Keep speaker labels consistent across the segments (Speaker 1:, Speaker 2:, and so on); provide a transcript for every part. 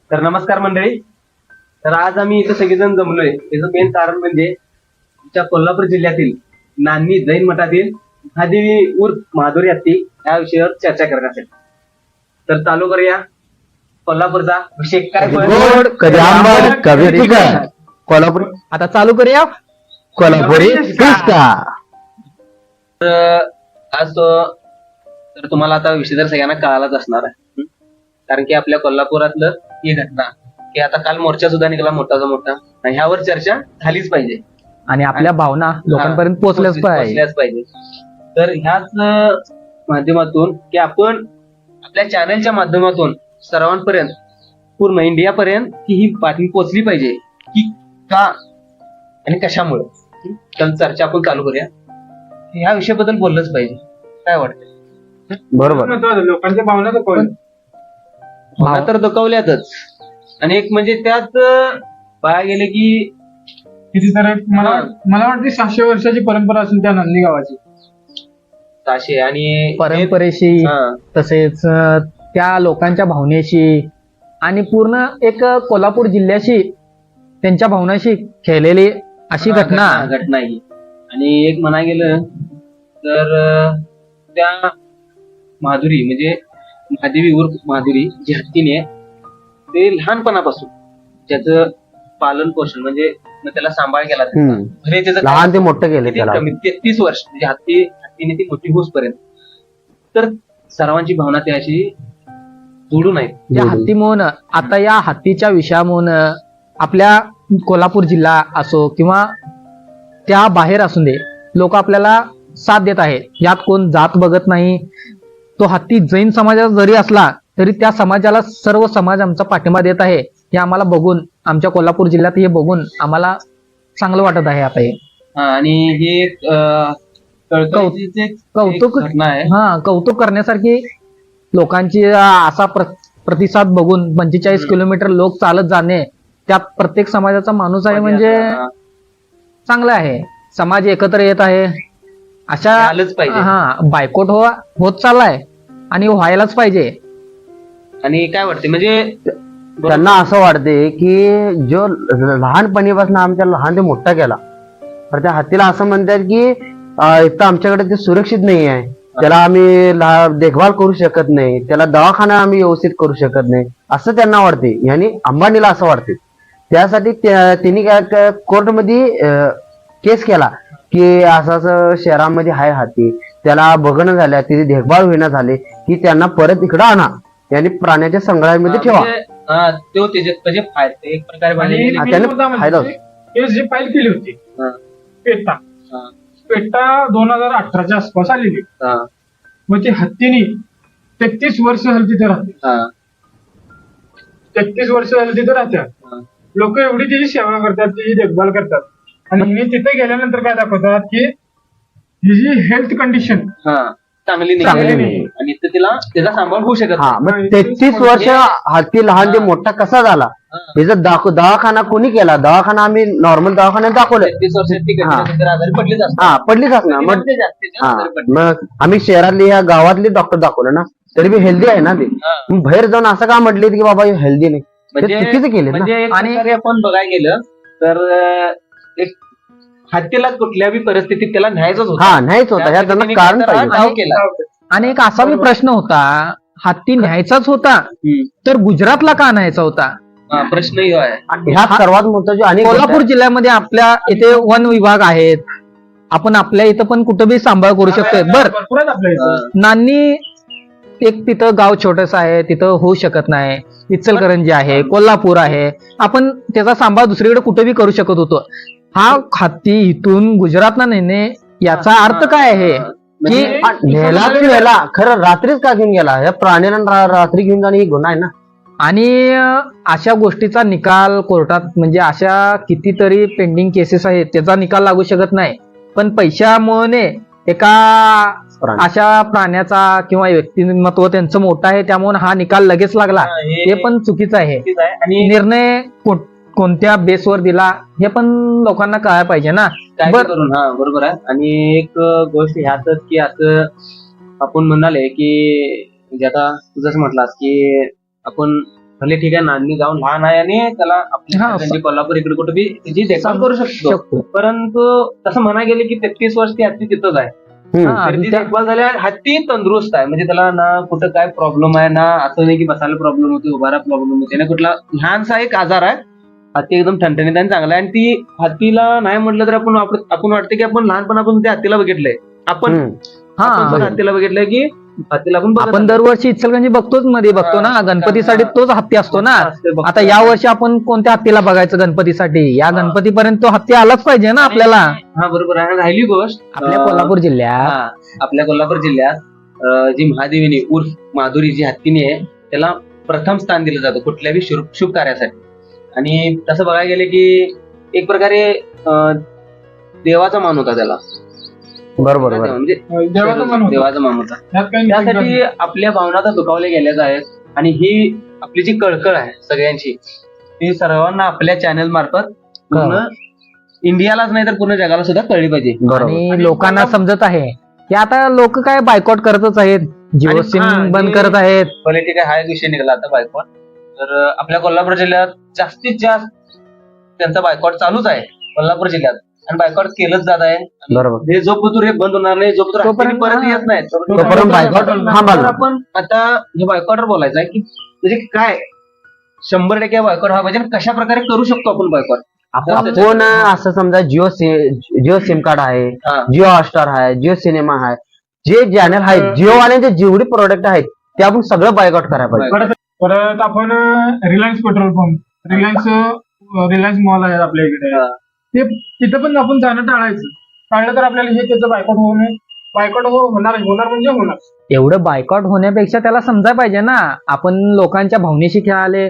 Speaker 1: तर नमस्कार मंडळी. तर आज आम्ही इथं सगळेजण जमलोय त्याचं मेन कारण म्हणजे आमच्या कोल्हापूर जिल्ह्यातील नान्नी जैन मठातील महादेवी उर्फ माधुरी हत्ती या विषयावर चर्चा करण्यासाठी. तर चालू करूया कोल्हापूरचा विषय काय
Speaker 2: गोड कधी आंबट कधी तिखट कोल्हापुरी.
Speaker 3: आता चालू करूया.
Speaker 2: कोल्हापुरी किस्सा.
Speaker 1: आज तो तर तुम्हाला आता विषय तर सगळ्यांना कळालाच असणार आहे. कारण की आपल्या कोल्हापुरातलं ही घटना की आता काल मोर्चा सुद्धा निघाला मोठाचा मोठा आणि ह्यावर चर्चा झालीच पाहिजे
Speaker 3: आणि आपल्या भावना लोकांपर्यंत पोहोचल्याच पाहिजे.
Speaker 1: तर ह्याच माध्यमातून की आपण आपल्या चॅनलच्या माध्यमातून सर्वांपर्यंत पूर्ण इंडियापर्यंत की ही बातमी पोहोचली पाहिजे की का आणि कशामुळे. तर चर्चा आपण चालू करूया. ह्या विषयाबद्दल बोललंच पाहिजे. काय वाटतं?
Speaker 2: बरोबर.
Speaker 4: लोकांच्या भावना
Speaker 1: भावना तर दुखावल्यातच आणि एक म्हणजे त्यात पाया गेले की
Speaker 4: किती तर मला वाटते 700 वर्षाची परंपरा असून त्या नांदी गावाची
Speaker 1: ताशे आणि
Speaker 3: परंपरेशी तसेच त्या लोकांच्या भावनेशी आणि पूर्ण एक कोल्हापूर जिल्ह्याशी त्यांच्या भावनाशी खेळलेली अशी घटना
Speaker 1: ही. आणि एक म्हणा गेलं तर त्या माधुरी म्हणजे महादेवी उर्फ माधुरी जी हत्तीने ते लहानपणापासून ज्याचं पालन पोषण म्हणजे त्याला सांभाळ केला म्हणजे त्याचं
Speaker 2: लहान ते मोठं केलं त्याला.
Speaker 1: कमी 33 वर्ष म्हणजे हत्तीने ती मोठी होऊसपर्यंत. तर सर्वांची भावना त्या अशी जोडून आहेत.
Speaker 3: त्या हत्तीमुळं आता या हत्तीच्या विषयामुळं आपल्या कोल्हापूर जिल्हा असो किंवा त्या बाहेर असू दे लोक आपल्याला साथ देत आहेत. यात कोण जात बघत नाही. तो हत्ती जैन समाजाचा जरी असला तरी त्या समाजाला सर्व समाज आमचा पाठिंबा देत आहे. हे आम्हाला बघून आमच्या कोल्हापूर जिल्ह्यात हे बघून आम्हाला चांगलं वाटत आहे. आता हे
Speaker 1: आणि हे
Speaker 3: कौतुक
Speaker 1: घटना आहे.
Speaker 3: कौतुक करण्यासारखी लोकांची असा प्रतिसाद बघून 45 किलोमीटर लोक चालत जाणे त्यात प्रत्येक समाजाचा माणूस आहे म्हणजे चांगलं आहे. समाज एकत्र येत आहे. अशा
Speaker 1: आलंच पाहिजे.
Speaker 3: बायकोट होत चाललाय आणि व्हायलाच पाहिजे.
Speaker 1: आणि काय वाटते म्हणजे
Speaker 2: त्यांना असं वाटते की जो लहानपणीपासून आमच्या लहान ते मोठा केला तर त्या हत्तीला असं म्हणतात की इथं आमच्याकडे ते सुरक्षित नाही आहे. त्याला आम्ही देखभाल करू शकत नाही. त्याला दवाखाना आम्ही व्यवस्थित करू शकत नाही असं त्यांना वाटते. आणि अंबानीला असं वाटते. त्यासाठी त्यांनी काय कोर्टमध्ये केस केला की असं असं शहरामध्ये आहे हत्ती त्याला बघणं झाल्या त्याची देखभाल होईना झाली की त्यांना परत इकडं आणा आणि प्राण्याच्या संग्रहालयामध्ये ठेवा.
Speaker 1: एक प्रकारे
Speaker 4: जी फाईल केली होती पेटा 2018च्या आसपास आलेली. मग ती हत्तीने 33 वर्ष झाली तिथे राहते. 33 वर्ष झाली तिथे राहतात. लोक एवढी तिची सेवा करतात तिची देखभाल करतात आणि तिथे गेल्यानंतर काय दाखवतात की तिची हेल्थ कंडिशन
Speaker 1: चांगली नाही आणि त्याचा सांभाळ होऊ शकत
Speaker 2: मग 33 वर्ष हत्ती लहान ते मोठा कसा झाला त्याचा दवाखाना कोणी केला. दवाखाना आम्ही नॉर्मल दवाखान्यात दाखवलं.
Speaker 1: 33 वर्षात
Speaker 2: पडलीच असणार. मग आम्ही शहरातली ह्या गावातली डॉक्टर दाखवलं ना तरी बी हेल्दी आहे ना ते. बाहेर जाऊन असं का म्हटले की बाबा हेल्दी नाही चुकीचं केलं.
Speaker 1: आणि आपण बघायला गेलं तर एक हत्तीला कुठल्याही परिस्थितीत त्याला न्यायचंच होतं.
Speaker 2: न्यायच होता. ह्या त्यांना कारण पाहिजे.
Speaker 3: आणि एक असा बी प्रश्न होता हत्ती न्यायचाच होता तर गुजरातला का न्यायचा होता
Speaker 1: प्रश्नही आहे.
Speaker 2: ह्या सर्वात महत्वाचे. आणि
Speaker 3: कोल्हापूर जिल्ह्यामध्ये आपल्या इथे वन विभाग आहेत. आपण आपल्या इथं पण कुठं बी सांभाळ करू शकतोय. नान्नी एक तिथं गाव छोटस आहे तिथं होऊ शकत नाही. इचलकरंजी आहे कोल्हापूर आहे. आपण त्याचा सांभाळ दुसरीकडे कुठे बी करू शकत होतो. हा हत्ती इथून गुजरातला नेणे याचा अर्थ काय आहे की
Speaker 2: नेला ते नेला खरं रात्रीच का घेऊन गेला. या प्राण्याला रात्री घेऊन जाणे ही गुन्हा आहे ना.
Speaker 3: आणि अशा गोष्टीचा निकाल कोर्टात म्हणजे अशा कितीतरी पेंडिंग केसेस आहेत त्याचा निकाल लागू शकत नाही. पण पैशामुळे एका अशा प्राण्याचा किंवा व्यक्तिमत्व त्यांचं मोठं आहे त्यामुळे हा निकाल लगेच लागला हे पण चुकीचं आहे.
Speaker 1: आणि
Speaker 3: निर्णय कोणत्या बेसवर दिला हे पण लोकांना कळायला पाहिजे ना.
Speaker 1: बरोबर आहे. आणि एक गोष्ट ह्यातच की असं आपण म्हणाले की म्हणजे आता तुझंच म्हटलास की आपण भले ठीक आहे नांदणी जाऊन लहान आहे आणि त्याला आपल्या
Speaker 3: हा,
Speaker 1: त्यांची कोल्हापूर इकडे कुठे बी त्याची देखभाल करू शकतो. परंतु तसं म्हणा गेले की 33 वर्ष ती हत्ती तिथंच आहे.
Speaker 3: हा,
Speaker 1: तर ती
Speaker 3: त्या-
Speaker 1: देखभाल झाली आणि हत्ती तंदुरुस्त आहे. म्हणजे त्याला ना कुठं काय प्रॉब्लेम आहे ना असं नाही की बसायला प्रॉब्लेम होते उभारा प्रॉब्लेम होते ना कुठला लहानसा एक आजार आहे. हत्ती एकदम ठणठणीत आणि चांगला आहे आणि ती हत्तीला नाही म्हटलं तर आपण वाटतं की आपण लहानपणापासून त्या हत्तीला बघितलंय. आपण
Speaker 3: हा
Speaker 1: पण हत्तीला बघितलंय की हत्तीला आपण बघत
Speaker 3: आपण दरवर्षी इचलकरंजी बघतोच मध्ये बघतो ना गणपतीसाठी तोच हत्ती असतो ना.
Speaker 1: असतो.
Speaker 3: आता या वर्षी आपण कोणत्या हत्तीला बघायचं गणपतीसाठी? या
Speaker 1: हा.
Speaker 3: गणपतीपर्यंत तो हत्ती आलाच पाहिजे ना आपल्याला.
Speaker 1: हा बरोबर आहे. राहिली गोष्ट
Speaker 3: आपल्या कोल्हापूर जिल्ह्यात
Speaker 1: हा, आपल्या कोल्हापूर जिल्ह्यात जी महादेवीनी उर्फ माधुरी जी हत्तीनी आहे त्याला प्रथम स्थान दिलं जातं कुठल्याही शुभ कार्यासाठी. आणि तसं बघायला गेले की एक प्रकारे देवाचा मान होता त्याला.
Speaker 2: बरोबर
Speaker 1: म्हणजे
Speaker 4: देवाचं मन होतं.
Speaker 1: देवाचा मान होता.
Speaker 4: त्यात काही निषेध नाही.
Speaker 1: त्यासाठी आपल्या भावना तर दुखावल्या गेल्याच आहेत. आणि ही आपली जी कळकळ आहे सगळ्यांची ती सर्वांना आपल्या चॅनल मार्फत पूर्ण इंडियालाच नाही तर पूर्ण जगाला सुद्धा कळली पाहिजे.
Speaker 3: आणि लोकांना समजत आहे की आता लोक काय बायकॉट करतच आहेत. जिओ
Speaker 1: आणि
Speaker 3: सिम
Speaker 1: हा,
Speaker 3: बंद
Speaker 1: जे-
Speaker 3: करत आहेत.
Speaker 1: भले ठीक आहे हा एक विषय निघाला आता बायकॉट. तर आपल्या कोल्हापूर जिल्ह्यात जास्तीत जास्त त्यांचा बायकॉट चालूच आहे कोल्हापूर जिल्ह्यात आणि बायकॉट केलंच जात आहे.
Speaker 2: बरोबर
Speaker 1: हे जोपर्यंत हे बंद होणार नाही जोपर्यंत
Speaker 3: तोपर्यंत
Speaker 1: हत्ती परत येत नाही
Speaker 2: तोपर्यंत बायकॉट थांबाल.
Speaker 1: तर आपण आता हे बायकॉटवर बोलायचं आहे की म्हणजे काय 100% बायकॉट हा पाहिजे आणि कशा प्रकारे करू शकतो आपण बायकॉट.
Speaker 2: आपण फोन असं समजा जिओ सिम कार्ड आहे,
Speaker 1: हा.
Speaker 2: जिओ हॉटस्टार आहे, जिओ सिनेमा आहे, जे चॅनल आहेत जिओ वाल्यांचे जेवढे प्रोडक्ट आहेत ते आपण सगळं बायकॉट करायला पाहिजे.
Speaker 4: परत आपण Reliance petrol pump Reliance mall आहे आपल्या इकडे
Speaker 1: हा.
Speaker 4: ते तिथं पण आपण जाणं टाळायचं. टाळलं तर आपल्याला हे त्याचं बायकॉट होणार म्हणजे होणार.
Speaker 3: एवढं बायकॉट होण्यापेक्षा त्याला समजायला पाहिजे ना आपण लोकांच्या भावनेशी खेळाले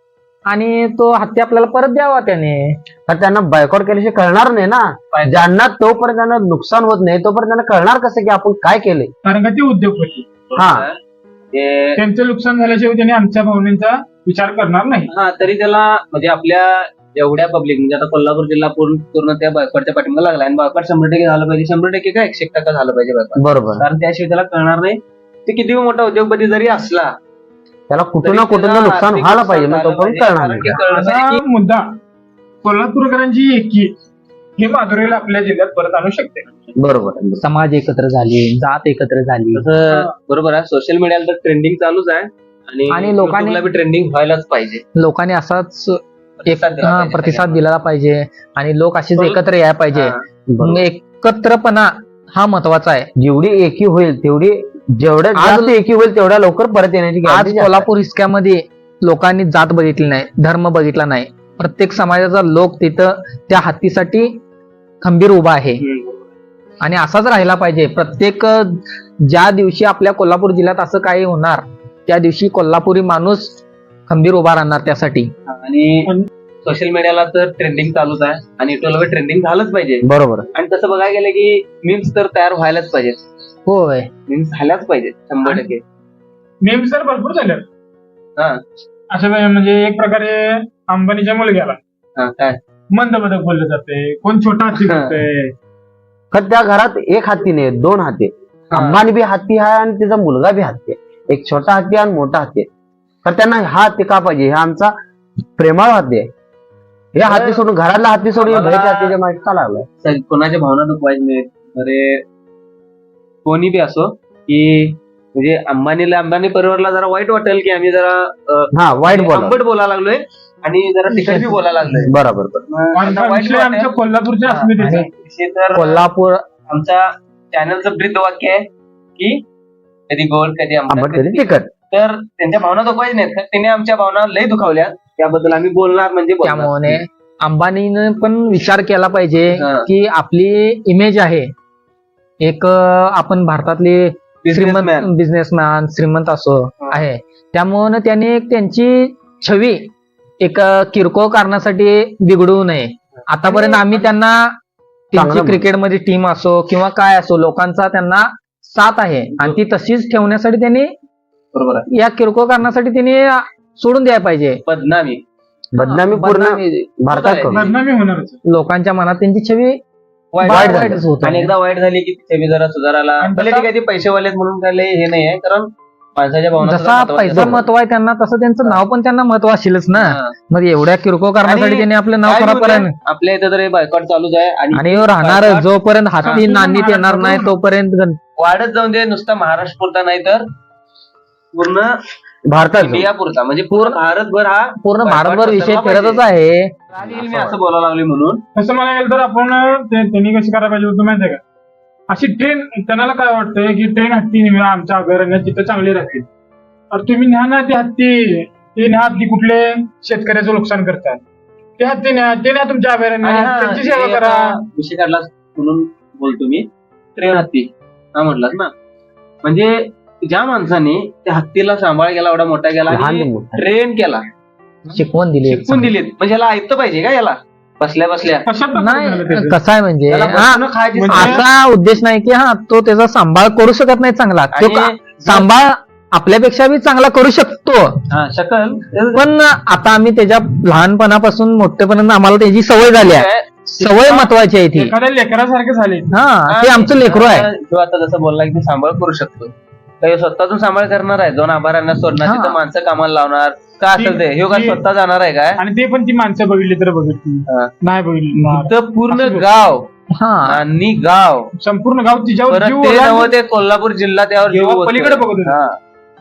Speaker 3: आणि तो हत्ती आपल्याला परत द्यावा त्याने.
Speaker 2: तर त्यांना बायकॉट केल्याशिवाय कळणार नाही ना. ज्यांना तोपर्यंत त्यांना नुकसान होत नाही तोपर्यंत त्यांना कळणार कसं की आपण काय केलंय.
Speaker 4: कारण का ते उद्योगपती
Speaker 2: हा.
Speaker 1: ते-
Speaker 4: त्यांचं नुकसान झाल्याशिवाय त्यांनी आमच्या भावनेचा विचार करणार नाही.
Speaker 1: हा तरी त्याला म्हणजे आपल्या एवढ्या पब्लिक म्हणजे आता कोल्हापूर जिल्हा पूर्ण त्या बायकॉटच्या पाठिंबा लागला आणि बायकॉट 100% झालं पाहिजे. 100% काय 100% झालं पाहिजे बायकॉट.
Speaker 2: बरोबर.
Speaker 1: कारण त्याशिवाय त्याला कळणार नाही. ते किती मोठा उद्योगपती जरी असला
Speaker 2: त्याला कुठं ना
Speaker 1: तरी
Speaker 2: कुठं
Speaker 1: त्याला
Speaker 2: नुकसान
Speaker 1: आर्थिक
Speaker 2: व्हायला पाहिजे
Speaker 1: नुकसान
Speaker 2: मग तोपर्यंत
Speaker 1: झालं
Speaker 2: कळणार
Speaker 1: पाहिजे.
Speaker 2: नाही.
Speaker 1: कारण की कळलं पाहिजे
Speaker 4: असा मुद्दा कोल्हापूरकरांची एकी हे माधुरीला आपल्या जिल्ह्यात परत आणू शकते.
Speaker 2: बरोबर.
Speaker 3: समाज एकत्र झाले, जात एकत्र झाली.
Speaker 1: तसं बरोबर आहे. सोशल मीडियाला तर ट्रेंडिंग चालूच आहे
Speaker 3: आणि लोकांनी-
Speaker 1: YouTubeला बी ट्रेंडिंग व्हायलाच पाहिजे.
Speaker 3: लोकांनी असाच
Speaker 1: प्रतिसाद दिला पाहिजे
Speaker 3: प्रतिसाद दिला पाहिजे आणि लोक असेच एकत्र यायला पाहिजे.
Speaker 1: हा.
Speaker 3: मग एकत्रपणा हा महत्वाचा आहे.
Speaker 2: जेवढी एकी होईल तेवढी जेवढ्या
Speaker 3: आज-
Speaker 2: जास्त एकी होईल तेवढ्या लवकर परत येण्याची
Speaker 3: आज
Speaker 2: guarantee जास्त आहे.
Speaker 3: कोल्हापूर हिसक्यामध्ये लोकांनी जात बघितली नाही, धर्म बघितला नाही. प्रत्येक समाजाचा लोक तिथं त्या हत्तीसाठी खंबीर उभा आहे आणि असाच राहिला पाहिजे. प्रत्येक ज्या दिवशी आपल्या कोल्हापूर जिल्ह्यात असं काही होणार त्या दिवशी कोल्हापुरी माणूस खंबीर उभा राहणार त्यासाठी.
Speaker 1: आणि सोशल मीडियाला तर ट्रेंडिंग चालूच आहे आणि युट्यूबला ट्रेंडिंग झालंच पाहिजे.
Speaker 2: बरोबर.
Speaker 1: आणि तसं बघायला गेलं की मीम्स तर तयार व्हायलाच पाहिजेत.
Speaker 3: होय.
Speaker 1: मीम्स झाल्याच पाहिजेत 100%.
Speaker 4: नेहमी तर भरपूर झाले
Speaker 1: हा.
Speaker 4: अशा म्हणजे एक प्रकारे अंबानीच्या मुलग्याला
Speaker 1: हा, काय
Speaker 4: मंदबदक बोललं जाते, कोण छोटा हत्ती करते.
Speaker 2: तर त्या घरात एक हत्ती नाही 2 हत्ती आहेत.
Speaker 1: हा.
Speaker 2: अंबानी बी हत्ती आहे आणि तिचा मुलगा बी हत्ती आहे. एक छोटा हत्ती आणि मोठा हत्ती आहे. तर त्यांना हा हत्ती का पाहिजे? हा आमचा प्रेमाळ हत्ती आहे. हे हत्ती सोडून घरातला हत्ती सोडून
Speaker 1: आम्हाला-
Speaker 2: बाहेरच्या हत्तीच्या मागे का लागलाय?
Speaker 1: कोणाच्या भावना दुखवायच्या नाहीत. अरे कोणी बी असो की म्हणजे अंबानी परिवाराला जरा वाईट वाटेल की आम्ही जरा
Speaker 2: हा वाईट बोला.
Speaker 1: आंबट बोलायला लागलोय आणि जरा तिखट बी बोलायला लागलोय.
Speaker 2: बरोबर.
Speaker 1: मग आता वाईट
Speaker 4: विषय आमच्या
Speaker 1: वाटेल.
Speaker 4: कोल्हापूरच्या
Speaker 1: हा,
Speaker 4: अस्मितेचा
Speaker 1: आणि विषय तर
Speaker 3: कोल्हापूर
Speaker 1: आमच्या चॅनलचं ब्रीद वाक्य आहे की कधी गोड कधी
Speaker 2: आंबट
Speaker 1: आंबट
Speaker 2: कधी तिखट.
Speaker 1: तर त्यांच्या भावना दुखवायच्या नाहीत. तर त्यांनी आमच्या भावना लय दुखावल्या त्याबद्दल आम्ही बोलणार म्हणजे बोलणार.
Speaker 3: त्यामुळे अंबानीने पण विचार केला पाहिजे
Speaker 1: हा.
Speaker 3: की आपली इमेज आहे एक आपण भारतातली
Speaker 1: Businessman.
Speaker 3: बिझनेसमॅन श्रीमंत असो
Speaker 1: हा.
Speaker 3: आहे. त्यामुळे त्याने एक त्यांची छवी एक किरकोळ कारणासाठी बिघडवू नये. आतापर्यंत आम्ही त्यांना त्यांची
Speaker 2: चांगलं
Speaker 3: क्रिकेटमध्ये टीम असो किंवा काय असो लोकांचा त्यांना साथ आहे आणि ती तशीच ठेवण्यासाठी त्यांनी
Speaker 1: बरोबर आहे.
Speaker 3: या किरकोळ कारणासाठी त्यांनी सोडून द्यायला पाहिजे.
Speaker 1: बदनामी
Speaker 2: बदनामी पूर्ण
Speaker 3: बदनामी
Speaker 2: भारतात करू.
Speaker 4: बदनामी होणारच.
Speaker 3: लोकांच्या मनात त्यांची छवी
Speaker 1: वाईट
Speaker 2: वाईट
Speaker 1: झाली.
Speaker 3: वाईटच होत
Speaker 1: आणि एकदा वाईट झाली की ते बी जरा सुधारायला
Speaker 4: आणि
Speaker 1: भले
Speaker 4: तसं-
Speaker 1: ठीक आहे ते पैसे वालेत म्हणून काय लय हे नाही आहे. कारण माणसाच्या भावना
Speaker 3: जसा पैसा महत्व आहे त्यांना तसं त्यांचं नाव पण त्यांना महत्व असेलच ना. मग एवढ्या किरकोळ करण्यासाठी त्यांनी आपलं नाव खराब करायला
Speaker 1: आपल्या इथं तर बायकॉट चालूच आहे
Speaker 3: आणि राहणार जोपर्यंत हाती नांदीत येणार नाही तोपर्यंत
Speaker 1: वाढत जाऊन दे. नुसता महाराष्ट्र पुरता नाही तर पूर्ण
Speaker 2: भारतात
Speaker 1: इंडिया पुरता, म्हणजे पूर्ण भारतभर हा
Speaker 3: पूर्ण भारतभर विषय फिरतच आहे.
Speaker 1: मी असं बोलायला लागले म्हणून.
Speaker 4: तसं म्हणायला गेलं तर आपण त्यांनी कशी करायला पाहिजे होतं माहितीये का, अशी ट्रेन त्यांना काय वाटतंय की ट्रेन हत्ती नेहमी आमच्या अभयारण्यात तिथं चांगली राहतील. तर तुम्ही न्या ना ती हत्ती, ते न्या हत्ती कुठले शेतकऱ्याचं नुकसान करतात, ते हत्ती न्या, ते न्या तुमच्या अभयारण्यात, त्यांची सेवा करा.
Speaker 1: विषय काढला म्हणून बोलतो मी. ट्रेन हत्ती हा म्हटलास ना, म्हणजे ज्या माणसाने त्या हत्तीला सांभाळ केला, एवढा मोठा केला, ट्रेन केला,
Speaker 3: शिकवण दिली.
Speaker 1: शिकवून दिलीत, म्हणजे याला ऐकतं पाहिजे का याला बसल्या बसल्या
Speaker 3: नाही कसं आहे म्हणजे
Speaker 1: त्याला बसून खायची सवय.
Speaker 3: असा उद्देश नाही की तो त्याचा सांभाळ करू शकत नाही चांगला, तो
Speaker 1: आणि
Speaker 3: सांभाळ आपल्यापेक्षा बी चांगला करू शकतो.
Speaker 1: हा, शकल
Speaker 3: पण आता आम्ही त्याच्या लहानपणापासून मोठेपर्यंत आम्हाला त्याची सवय झाली आहे. सवय महत्वाची आहे ती.
Speaker 4: एखाद्या लेकरासारखे झाले.
Speaker 3: हा, ते आमचं लेकरू आहे.
Speaker 1: तो आता जसं बोलला की सांभाळ करू शकतो, तर स्वतःतून सांभाळ करणार आहे. दोन आभारांना सोडणार, तिथं माणसं कामाला लावणार, का असेल ते हे का स्वतः जाणार आहे काय.
Speaker 4: आणि ते पण ती माणसं बघितली तर बघितली, नाही बघितली
Speaker 1: इथं पूर्ण गाव
Speaker 3: हा,
Speaker 1: आणि गाव
Speaker 4: संपूर्ण गाव तिच्यावर
Speaker 1: परत
Speaker 4: जीव
Speaker 1: ते
Speaker 4: ओलांडून
Speaker 1: नव्हं ते कोल्हापूर जिल्हा त्यावर जीव ओततोय.
Speaker 4: पलीकडे बघत होते.
Speaker 1: हा.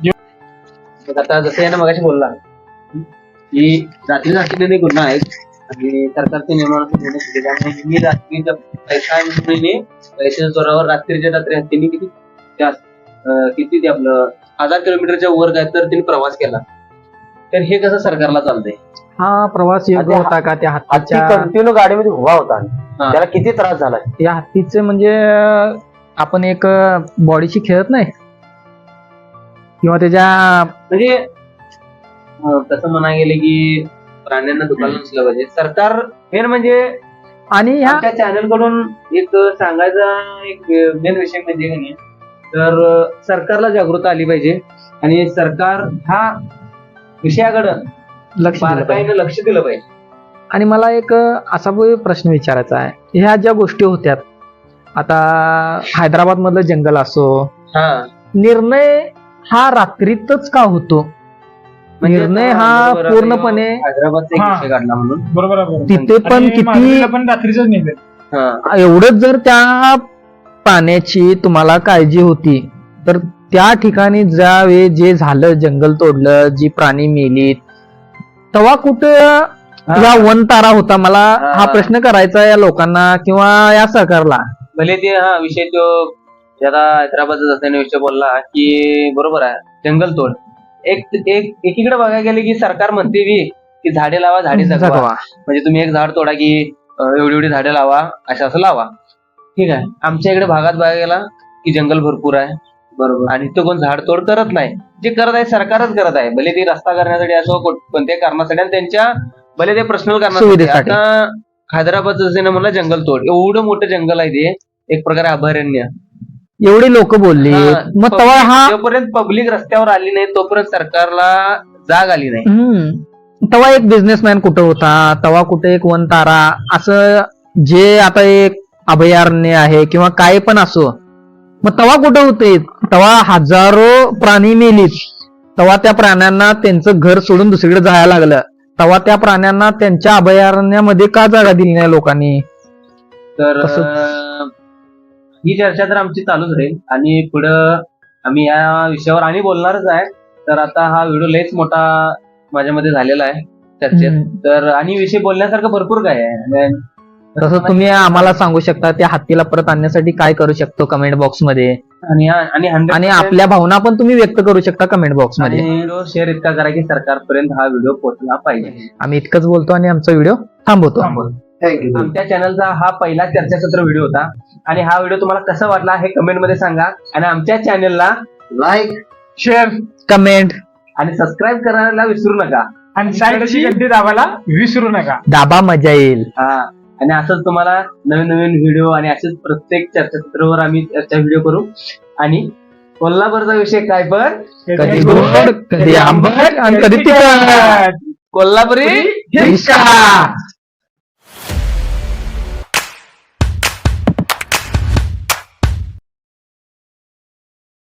Speaker 1: आता जसं यानं मगाशी बोलला की रात्री गुन्हा आहेत आणि सरकारचे नियमानुसार निर्णय घेतले, त्यामुळे मी रात्रीच्या पैशाच्या जोरावर रात्रीच्या रात्री हत्तीने किती ते आपलं 1000 किलोमीटरच्या वर काय तर त्यांनी प्रवास केला. तर हे कसं सरकारला चालतंय.
Speaker 3: हा प्रवास योग्य होता का त्या
Speaker 2: हत्ती
Speaker 3: हत्तीच्या?
Speaker 2: कंटिन्यू गाडीमध्ये उभा होता, त्याला किती त्रास झाला.
Speaker 3: या हत्तीचे म्हणजे आपण एक बॉडीशी खेळत नाही किंवा त्याच्या
Speaker 1: म्हणजे तसं म्हणा गेले की प्राण्यांना दुखायला नसलं पाहिजे. सरकार मेन म्हणजे
Speaker 3: आणि ह्या
Speaker 1: आमच्या चॅनल कडून एक सांगायचा एक मेन विषय म्हणजे की नाही, तर सरकारला जागृती आली पाहिजे आणि सरकार ह्या विषयाकडे
Speaker 3: लक्ष दिलं पाहिजे.
Speaker 1: बारकाईनं लक्ष दिलं पाहिजे.
Speaker 3: आणि मला एक असा प्रश्न विचारायचा आहे. ह्या ज्या गोष्टी होत्यात, आता हैदराबाद मधलं जंगल असो,
Speaker 1: हा,
Speaker 3: निर्णय हा रात्रीतच का होतो?
Speaker 1: म्हणजे
Speaker 3: निर्णय
Speaker 1: आता
Speaker 3: हा
Speaker 1: बरोबर
Speaker 3: पूर्णपणे
Speaker 1: हैदराबादचा एक
Speaker 4: हा.
Speaker 1: विषय काढला म्हणून.
Speaker 4: बरोबर आहे, बरोबर.
Speaker 3: तिथे पण
Speaker 4: आणि
Speaker 3: किती
Speaker 4: माधुरीला पण रात्रीच निघेल.
Speaker 1: हा,
Speaker 3: एवढंच जर त्या पाण्याची तुम्हाला काळजी होती तर त्या ठिकाणी ज्यावेळी जे झालं, जंगल तोडलं, जी प्राणी मेलीत, तेव्हा कुठं या वन तारा होता? मला हा प्रश्न करायचा या लोकांना किंवा या सरकारला.
Speaker 1: भले ते हा विषय तो ज्याला हैदराबादचा असल्याने विषय बोलला की बरोबर आहे, जंगल तोड. एकीकडे बघायला गेले की सरकार म्हणते की झाडे लावा, झाडे जगवा. म्हणजे तुम्ही एक झाड तोडा की एवढी झाडे लावा, असं लावा. ठीक आहे. आमच्या इकडे भागात बघायला गेला की जंगल भरपूर आहे, बरोबर, आणि तो कोण झाड तोड करत नाही. जे करत आहे सरकारच करत आहे, भले ते रस्ता करण्यासाठी असो, कोणत्याही कारणासाठी, आणि त्यांच्या भले ते पर्सनल कारणासाठी.
Speaker 3: सुविधेसाठी.
Speaker 1: आता हैदराबाद जसं म्हणलं जंगल तोड, एवढं मोठं जंगल आहे ते, एक प्रकारे अभयारण्य.
Speaker 3: एवढी लोक बोलली, मग तेव्हा हा
Speaker 1: जोपर्यंत पब्लिक रस्त्यावर आली नाही तोपर्यंत सरकारला जाग आली नाही.
Speaker 3: तेव्हा एक बिझनेसमॅन कुठं होता, तेव्हा कुठे एक वन तारा, असं जे आता एक अभयारण्य आहे किंवा काय पण असो, मग तेव्हा कुठं होते? तेव्हा हजारो प्राणी मेलीत, तेव्हा त्या प्राण्यांना त्यांचं घर सोडून दुसरीकडे जायला लागलं, तेव्हा त्या प्राण्यांना त्यांच्या अभयारण्यामध्ये का जागा दिली नाही लोकांनी?
Speaker 1: तर ही चर्चा तर आमची चालूच राहील आणि पुढं आम्ही या विषयावर आणि बोलणारच आहे. तर आता हा व्हिडिओ लयच मोठा माझ्यामध्ये झालेला आहे चर्चेत. तर आणि विषय बोलण्यासारखं भरपूर काय आहे.
Speaker 3: तसं तुम्ही आम्हाला सांगू शकता त्या हत्तीला परत आणण्यासाठी काय करू शकतो कमेंट बॉक्स मध्ये, आणि आपल्या भावना पण तुम्ही व्यक्त करू शकता कमेंट बॉक्स मध्ये.
Speaker 1: व्हिडिओ शेअर इतका करा की सरकारपर्यंत हा व्हिडिओ पोहोचला पाहिजे.
Speaker 3: आम्ही इतकंच बोलतो आणि आमचा व्हिडिओ थांबवतो.
Speaker 2: थँक्यू.
Speaker 1: आमच्या चॅनलचा हा पहिला चर्चासत्र व्हिडिओ होता आणि हा व्हिडिओ तुम्हाला कसा वाटला हे कमेंट मध्ये सांगा. आणि आमच्या चॅनलला
Speaker 2: लाईक,
Speaker 4: शेअर
Speaker 3: कमेंट
Speaker 1: आणि सबस्क्राईब करायला विसरू नका.
Speaker 4: आणि साईडची घंटी दाबायला विसरू नका.
Speaker 3: दाबा, मजा येईल.
Speaker 1: हा, आणि असंच तुम्हाला नवीन नवीन व्हिडिओ आणि असेच प्रत्येक चर्चासत्रावर आम्ही चर्चा व्हिडिओ करू. आणि कोल्हापूरचा विषय काय पण
Speaker 3: कधी गोड, कधी आंबट आणि कधी तिखट.
Speaker 1: कोल्हापुरी
Speaker 3: हिसका.